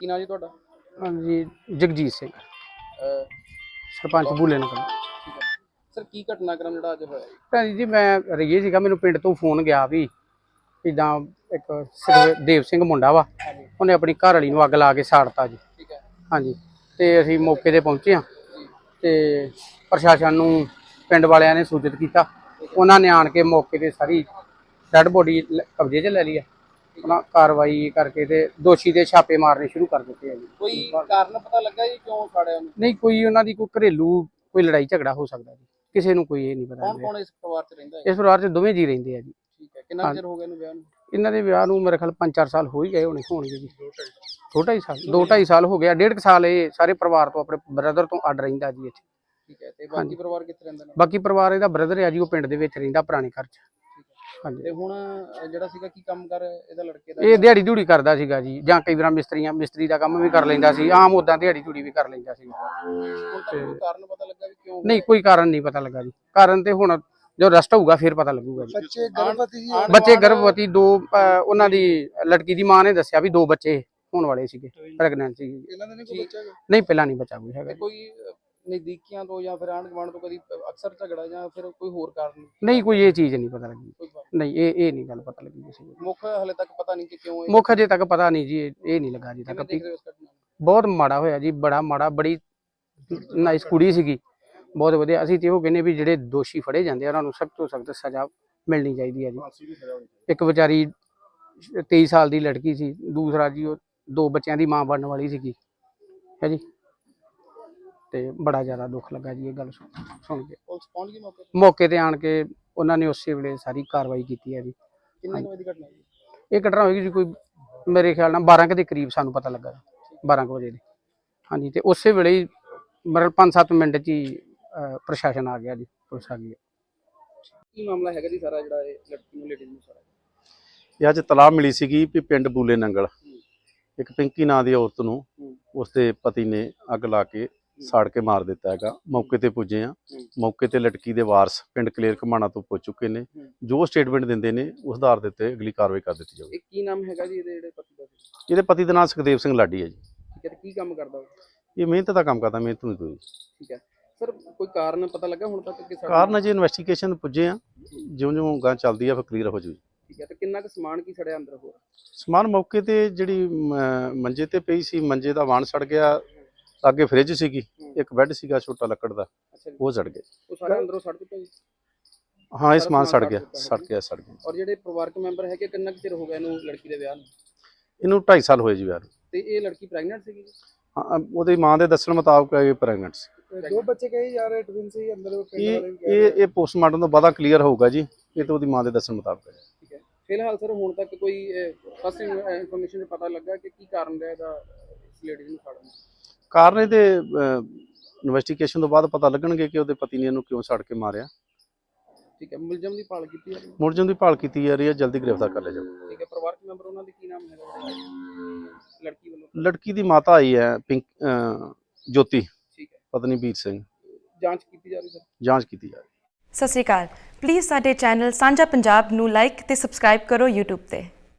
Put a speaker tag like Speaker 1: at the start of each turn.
Speaker 1: ਕੀ ਨਾਂ ਜੀ ਤੁਹਾਡਾ?
Speaker 2: ਹਾਂਜੀ ਜਗਜੀਤ ਸਿੰਘ
Speaker 1: ਅਹ,
Speaker 2: ਸਰਪੰਚ ਬੂਲੇ ਨਗਰ।
Speaker 1: ਠੀਕ ਹੈ ਸਰ, ਕੀ ਘਟਨਾਕ੍ਰਮ ਜਿਹੜਾ ਅੱਜ ਹੋਇਆ ਜੀ?
Speaker 2: ਭੈਣ ਜੀ ਮੈਂ ਰਹੀਏ ਸੀਗਾ, ਮੈਨੂੰ ਪਿੰਡ ਤੋਂ ਫੋਨ ਗਿਆ ਵੀ ਇੱਦਾਂ ਇੱਕ ਦੇਵ ਸਿੰਘ ਮੁੰਡਾ ਵਾ,
Speaker 1: ਹਾਂਜੀ
Speaker 2: ਉਹਨੇ ਆਪਣੀ ਘਰ ਵਾਲੀ ਨੂੰ ਅੱਗ ਲਾ ਕੇ ਸਾੜਤਾ ਜੀ।
Speaker 1: ਠੀਕ ਹੈ
Speaker 2: ਹਾਂਜੀ ਤੇ ਅਸੀਂ ਮੌਕੇ ਤੇ ਪਹੁੰਚੇ ਹਾਂ ਤੇ ਪ੍ਰਸ਼ਾਸਨ ਨੂੰ ਪਿੰਡ ਵਾਲਿਆਂ ਨੇ ਸੂਚਿਤ ਕੀਤਾ। ਉਹਨਾਂ ਨੇ ਆਣ ਕੇ ਮੌਕੇ ਤੇ ਸਾਰੀ ਡੈਡ ਬੋਡੀ ਕਬਜ਼ੇ 'ਚ ਲੈ ਲਈ ਹੈ। ਉਹਨਾਂ ਕਾਰਵਾਈ ਕਰਕੇ ਤੇ ਦੋਸ਼ੀ ਦੇ ਛਾਪੇ ਮਾਰਨੇ ਸ਼ੁਰੂ ਕਰ ਦਿੱਤੇ ਆ ਜੀ।
Speaker 1: ਕੋਈ ਕਾਰਨ ਪਤਾ ਲੱਗਾ ਜੀ ਕਿਉਂ ਸਾੜਿਆ ਉਹਨੂੰ?
Speaker 2: ਨਹੀਂ, ਕੋਈ ਉਹਨਾਂ ਦੀ ਕੋਈ ਘਰੇਲੂ ਕੋਈ ਲੜਾਈ ਝਗੜਾ ਹੋ ਸਕਦਾ ਜੀ, ਕਿਸੇ ਨੂੰ ਕੋਈ ਇਹ ਨਹੀਂ ਪਤਾ।
Speaker 1: ਕੌਣ ਕੌਣ ਇਸ ਪਰਿਵਾਰ 'ਚ ਰਹਿੰਦਾ ਹੈ?
Speaker 2: ਇਸ ਪਰਿਵਾਰ 'ਚ ਦੋਵੇਂ ਜੀ ਰਹਿੰਦੇ ਆ ਜੀ।
Speaker 1: ਠੀਕ ਹੈ, ਕਿੰਨਾ ਚਿਰ ਹੋ ਗਿਆ ਇਹਨੂੰ ਵਿਆਹ ਨੂੰ?
Speaker 2: ਇਹਨਾਂ ਦੇ ਵਿਆਹ ਨੂੰ ਮੇਰੇ ਖਿਆਲ 5-4 ਸਾਲ ਹੋ ਹੀ ਗਏ ਹੋਣਗੇ ਜੀ। 2-2.5 ਸਾਲ 2-2.5 ਸਾਲ ਹੋ ਗਿਆ। 1.5 ਸਾਲ ਇਹ ਸਾਰੇ ਪਰਿਵਾਰ ਤੋਂ ਆਪਣੇ ਬ੍ਰਦਰ ਤੋਂ ਅੱਡ ਰਹਿੰਦਾ ਜੀ ਇੱਥੇ।
Speaker 1: ਠੀਕ ਹੈ, ਤੇ ਬਾਕੀ ਪਰਿਵਾਰ ਕਿੱਥੇ ਰਹਿੰਦਾ ਨੇ?
Speaker 2: ਬਾਕੀ ਪਰਿਵਾਰ ਇਹਦਾ ਬ੍ਰਦਰ ਆ ਜੀ, ਉਹ ਪਿੰਡ ਦੇ ਵਿੱਚ ਰਹਿੰਦਾ ਪੁਰਾਣੇ ਘਰ 'ਚ। ਹਾਂਜੀ
Speaker 1: ਤੇ ਹੁਣ ਜਿਹੜਾ ਸੀਗਾ ਕੀ ਕੰਮ ਕਰ ਇਹਦਾ ਲੜਕੇ ਦਾ?
Speaker 2: ਇਹ ਦਿਹਾੜੀ ਧੂੜੀ ਕਰਦਾ ਸੀਗਾ ਜੀ, ਜਾਂ ਕਈ ਵਾਰ ਮਿਸਤਰੀ ਦਾ ਕੰਮ ਵੀ ਕਰ ਲੈਂਦਾ ਸੀ, ਆਮ ਉਦਾਂ ਦਿਹਾੜੀ ਧੂੜੀ ਵੀ ਕਰ ਲੈਂਦਾ ਸੀ।
Speaker 1: ਹੁਣ ਤੱਕ ਕੋਈ ਕਾਰਨ ਪਤਾ ਲੱਗਾ ਵੀ ਕਿਉਂ?
Speaker 2: ਨਹੀਂ, ਕੋਈ ਕਾਰਨ ਨਹੀਂ ਪਤਾ ਲੱਗਾ ਜੀ। ਕਾਰਨ ਤੇ ਹੁਣ ਜੋ ਰਸਟ ਹੋਊਗਾ ਫਿਰ ਪਤਾ ਲੱਗੂਗਾ ਜੀ।
Speaker 1: ਬੱਚੇ ਗਰਭਵਤੀ ਜੀ?
Speaker 2: ਬੱਚੇ ਗਰਭਵਤੀ ਦੋ, ਉਹਨਾਂ ਦੀ ਲੜਕੀ ਦੀ ਮਾਂ ਨੇ ਦੱਸਿਆ ਵੀ 2 ਬੱਚੇ ਹੋਣ ਵਾਲੇ ਸੀਗੇ, ਪ੍ਰੈਗਨੈਂਟ ਸੀ।
Speaker 1: ਇਹਨਾਂ ਦਾ ਨਹੀਂ ਕੋਈ ਬੱਚਾ ਹੈਗਾ?
Speaker 2: ਨਹੀਂ, ਪਹਿਲਾਂ ਨਹੀਂ ਬੱਚਾ ਕੋਈ ਹੈਗਾ।
Speaker 1: ਕੋਈ ਨਜ਼ਦੀਕੀਆਂ ਤੋਂ ਜਾਂ ਫਿਰ ਆਂਢ ਗੁਆਂਢ ਤੋਂ ਕਦੀ ਅਕਸਰ ਝਗੜਾ ਜਾਂ ਫਿਰ ਕੋਈ ਹੋਰ ਕਾਰਨ?
Speaker 2: ਨਹੀਂ, ਕੋਈ ਇਹ ਚੀਜ਼ ਨਹੀਂ ਪਤਾ ਲੱਗੀ।
Speaker 1: ਕੋਈ ਕਾਰਨ?
Speaker 2: ਨਹੀਂ, ਇਹ ਨਹੀਂ ਗੱਲ ਪਤਾ ਲੱਗੀ ਕਿਸੇ ਨੂੰ।
Speaker 1: ਮੁੱਖ ਹਲੇ ਤੱਕ ਪਤਾ ਨਹੀਂ ਕਿ ਕਿਉਂ
Speaker 2: ਮੁੱਖ ਅਜੇ ਤੱਕ ਪਤਾ ਨਹੀਂ ਜੀ, ਇਹ ਨਹੀਂ ਲੱਗਾ ਜੀ ਤੱਕ।
Speaker 1: ਕਿਵੇਂ ਦੇਖ ਰਹੇ ਹੋ ਇਸ ਘਟਨਾ ਨੂੰ?
Speaker 2: ਬਹੁਤ ਮਾੜਾ ਹੋਇਆ ਜੀ, ਬੜਾ ਮਾੜਾ। ਬੜੀ ਨਾਈਸ ਕੁੜੀ ਸੀਗੀ, ਬਹੁਤ ਵਧੀਆ। ਅਸੀਂ ਤੇ ਉਹ ਕਹਿੰਦੇ ਵੀ ਜਿਹੜੇ ਦੋਸ਼ੀ ਫੜੇ ਜਾਂਦੇ ਆ ਉਹਨਾਂ ਨੂੰ ਸਖਤ ਤੋਂ ਸਖਤ ਸਜ਼ਾ ਮਿਲਣੀ ਚਾਹੀਦੀ ਹੈ ਜੀ। ਇੱਕ ਵਿਚਾਰੀ 23 ਸਾਲ ਦੀ ਲੜਕੀ ਸੀ, ਦੂਸਰਾ ਜੀ ਉਹ 2 ਬੱਚਿਆਂ ਦੀ ਮਾਂ ਬਣਨ ਵਾਲੀ ਸੀਗੀ ਹੈ ਜੀ। ਤੇ ਬੜਾ ਜ਼ਿਆਦਾ ਦੁੱਖ ਲੱਗਾ ਜੀ ਇਹ ਗੱਲ ਸੁਣ ਕੇ।
Speaker 1: ਪੁਲਿਸ ਪਹੁੰਚ ਗਈ ਮੌਕੇ ਤੇ?
Speaker 2: ਮੌਕੇ ਤੇ ਆਣ ਕੇ ਉਹਨਾਂ ਨੇ ਉਸੇ ਵੇਲੇ ਸਾਰੀ ਕਾਰਵਾਈ ਕੀਤੀ ਹੈ ਜੀ।
Speaker 1: ਕਿੰਨੇ ਕੁ ਵਜੇ ਦੀ ਘਟਨਾ ਜੀ?
Speaker 2: ਇਹ ਘਟਨਾ ਹੋਏਗੀ ਜੀ ਕੋਈ ਮੇਰੇ ਖਿਆਲ ਨਾਲ 12 ਕੁ ਦੇ ਕਰੀਬ ਸਾਨੂੰ ਪਤਾ ਲੱਗਾ, 12 ਕੁ ਵਜੇ ਦੇ। ਹਾਂਜੀ, ਤੇ ਉਸੇ ਵੇਲੇ ਹੀ ਮਤਲਬ 5-7 ਮਿੰਟ 'ਚ ਹੀ ਪ੍ਰਸ਼ਾਸਨ ਆ ਗਿਆ ਜੀ, ਪੁਲਿਸ ਆ ਗਈ।
Speaker 1: ਕੀ ਮਾਮਲਾ ਹੈਗਾ ਜੀ ਸਾਰਾ ਜਿਹੜਾ ਇਹ ਲੜਕੀ ਨੂੰ ਲੇਡੀਜ਼ ਨੂੰ ਸਾਰਾ?
Speaker 3: ਇਹ ਅੱਜ ਤਲਾਹ ਮਿਲੀ ਸੀਗੀ ਵੀ ਪਿੰਡ ਬੂਲੇ ਨੰਗਲ ਇੱਕ ਪਿੰਕੀ ਨਾਂ ਦੀ ਔਰਤ ਨੂੰ ਉਸਦੇ ਪਤੀ ਨੇ ਅੱਗ ਲਾ ਕੇ ਸਾੜ ਕੇ ਮਾਰ ਦਿੱਤਾ ਹੈਗਾ। ਮੌਕੇ ਤੇ ਪੁੱਜੇ ਆ, ਮੌਕੇ ਤੇ ਲੜਕੀ ਦੇ ਵਾਰਸ ਪਿੰਡ ਕਲੇਰ ਘਮਾਣਾ ਤੋਂ ਪੁੱਜ ਚੁੱਕੇ ਨੇ। ਜੋ ਸਟੇਟਮੈਂਟ ਦਿੰਦੇ ਨੇ ਉਸ ਆਧਾਰ ਦੇ ਉੱਤੇ ਅਗਲੀ ਕਾਰਵਾਈ ਕਰ ਦਿੱਤੀ ਜਾਊਗੀ।
Speaker 1: ਇਹ ਕੀ ਨਾਮ ਹੈਗਾ ਜੀ ਇਹਦੇ ਜਿਹੜੇ ਪਤੀ ਦਾ?
Speaker 3: ਇਹਦੇ ਪਤੀ ਦਾ ਨਾਮ ਸੁਖਦੇਵ ਸਿੰਘ ਲਾਡੀ ਹੈ ਜੀ।
Speaker 1: ਠੀਕ ਹੈ, ਤੇ ਕੀ ਕੰਮ ਕਰਦਾ ਉਹ?
Speaker 3: ਇਹ ਮਿਹਨਤ ਦਾ ਕੰਮ ਕਰਦਾ, ਮਿਹਨਤ ਮਜ਼ਦੂਰੀ।
Speaker 1: ਠੀਕ ਹੈ ਸਰ, ਕੋਈ ਕਾਰਨ ਪਤਾ ਲੱਗਾ ਹੁਣ ਤੱਕ ਕਿ
Speaker 3: ਕਾਰਨ ਅਜੇ ਇਨਵੈਸਟੀਗੇਸ਼ਨ ਪੁੱਜੇ ਆ, ਜਿਉਂ-ਜਿਉਂ ਗਾਂ ਚੱਲਦੀ ਆ ਫਿਰ ਕਲੀਅਰ ਹੋ ਜੂ।
Speaker 1: ਠੀਕ ਹੈ, ਤੇ ਕਿੰਨਾ ਕੁ ਸਮਾਨ ਕੀ ਸੜਿਆ ਅੰਦਰ ਹੋਰ?
Speaker 3: ਸਮਾਨ ਮੌਕੇ ਤੇ ਜਿਹੜੀ ਮੰਜੇ ਤੇ ਪਈ ਸੀ, ਮੰਜੇ ਦਾ ਵਾਣ ਸੜ ਗਿਆ। ਅੱਗੇ ਫ੍ਰਿਜ ਸੀਗੀ, ਇੱਕ ਬੈੱਡ ਸੀਗਾ ਛੋਟਾ ਲੱਕੜ ਦਾ,
Speaker 1: ਅੱਛਾ ਜੀ,
Speaker 3: ਉਹ ਸੜ ਗਏ।
Speaker 1: ਉਹ ਸਾਰਾ ਅੰਦਰੋਂ ਸੜ ਚੁੱਕਾ ਜੀ?
Speaker 3: ਹਾਂ, ਇਹ ਸਮਾਨ ਸੜ ਗਿਆ।
Speaker 1: ਔਰ ਜਿਹੜੇ ਪਰਿਵਾਰਕ ਮੈਂਬਰ ਹੈਗੇ ਕਿੰਨਾ ਕੁ ਚਿਰ ਹੋ ਗਿਆ ਇਹਨੂੰ ਲੜਕੀ ਦੇ ਵਿਆਹ ਨੂੰ?
Speaker 3: ਇਹਨੂੰ 2.5 ਸਾਲ ਹੋਏ ਜੀ ਵਿਆਹ ਨੂੰ।
Speaker 1: ਤੇ ਇਹ ਲੜਕੀ ਪ੍ਰੈਗਨੈਂਟ ਸੀਗੀ?
Speaker 3: ਹਾਂ, ਉਹਦੀ ਮਾਂ ਦੇ ਦੱਸਣ ਮੁਤਾਬਕ ਇਹ ਪ੍ਰੈਗਨੈਂਟ ਸੀ।
Speaker 1: 2 ਬੱਚੇ ਕਹੇ ਜਾ ਰਹੇ, ਟਵਿਨ ਸੀ ਅੰਦਰ?
Speaker 3: ਇਹ ਪੋਸਟਮਾਰਟਮ ਤੋਂ ਬਾਅਦ ਕਲੀਅਰ ਹੋਊਗਾ ਜੀ। ਇਹ ਤਾਂ ਉਹਦੀ ਮਾਂ ਦੇ ਦੱਸਣ ਮੁਤਾਬਕ ਹੈ।
Speaker 1: ਠੀਕ ਹੈ, ਫਿਲਹਾਲ ਸਰ ਹੁਣ ਤੱਕ ਕੋਈ ਫਸਟ ਇਨਫੋਰਮੇਸ਼ਨ ਪਤਾ ਲੱਗਾ ਕਿ ਕੀ ਕਾਰਨ ਰਿਹਾ ਇਹਦਾ ਇਸ ਲੇਡੀ ਨੂੰ ਸਾੜਨ ਦਾ?
Speaker 3: ਕਾਰਨ ਇਹਦੇ ਇਨਵੈਸਟੀਗੇਸ਼ਨ ਤੋਂ ਬਾਅਦ ਪਤਾ ਲੱਗਣਗੇ ਕਿ ਉਹਦੇ ਪਤੀ ਨੇ ਇਹਨੂੰ ਕਿਉਂ ਸੜ ਕੇ ਮਾਰਿਆ।
Speaker 1: ਠੀਕ ਹੈ, ਮੁਲਜ਼ਮ ਦੀ ਭਾਲ ਕੀਤੀ ਜਾ ਰਹੀ ਹੈ?
Speaker 3: ਮੁਲਜ਼ਮ ਦੀ ਭਾਲ ਕੀਤੀ ਜਾ ਰਹੀ ਹੈ, ਜਲਦੀ ਗ੍ਰਿਫਤਾਰ ਕਰ ਲਿਆ ਜਾਊਗਾ।
Speaker 1: ਠੀਕ ਹੈ, ਪਰਿਵਾਰਕ ਮੈਂਬਰ ਉਹਨਾਂ ਦੇ ਕੀ ਨਾਮ ਹੈਗਾ ਲੜਕੀ ਵੱਲੋਂ?
Speaker 3: ਲੜਕੀ ਦੀ ਮਾਤਾ ਆਈ ਹੈ ਜੋਤੀ,
Speaker 1: ਠੀਕ ਹੈ,
Speaker 3: ਪਤਨੀ ਵੀਰ ਸਿੰਘ।
Speaker 1: ਜਾਂਚ ਕੀਤੀ ਜਾ ਰਹੀ ਸਰ?
Speaker 3: ਜਾਂਚ ਕੀਤੀ ਜਾ ਰਹੀ।
Speaker 4: ਸਤਿ ਸ਼੍ਰੀ ਅਕਾਲ। ਪਲੀਜ਼ ਸਾਡੇ ਚੈਨਲ ਸਾਂਝਾ ਪੰਜਾਬ ਨੂੰ ਲਾਈਕ ਤੇ ਸਬਸਕ੍ਰਾਈਬ ਕਰੋ YouTube ਤੇ।